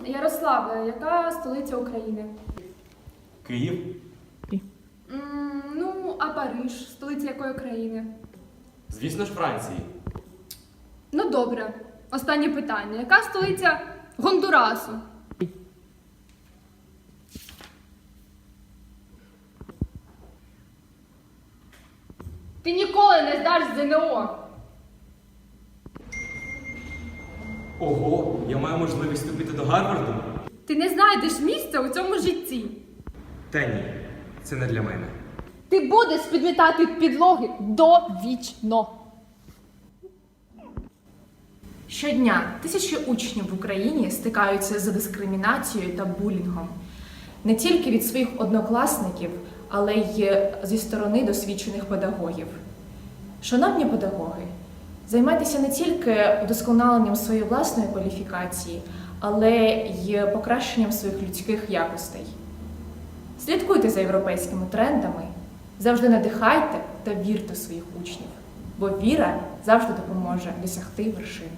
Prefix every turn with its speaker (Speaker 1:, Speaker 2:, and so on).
Speaker 1: Ярославе, яка столиця України?
Speaker 2: Київ.
Speaker 1: Ну, а Париж, столиця якої країни?
Speaker 2: Звісно ж, Франції.
Speaker 1: Ну, добре. Останнє питання. Яка столиця Гондурасу? Ти ніколи не здаш ЗНО.
Speaker 2: Ого, я маю можливість вступити до Гарварду?
Speaker 1: Ти не знайдеш місця у цьому житті.
Speaker 2: Та ні, це не для мене.
Speaker 3: Ти будеш підмітати підлоги довічно.
Speaker 4: Щодня тисячі учнів в Україні стикаються з дискримінацією та булінгом. Не тільки від своїх однокласників, але й зі сторони досвідчених педагогів. Шановні педагоги, займайтеся не тільки вдосконаленням своєї власної кваліфікації, але й покращенням своїх людських якостей. Слідкуйте за європейськими трендами, завжди надихайте та вірте в своїх учнів, бо віра завжди допоможе досягти вершин.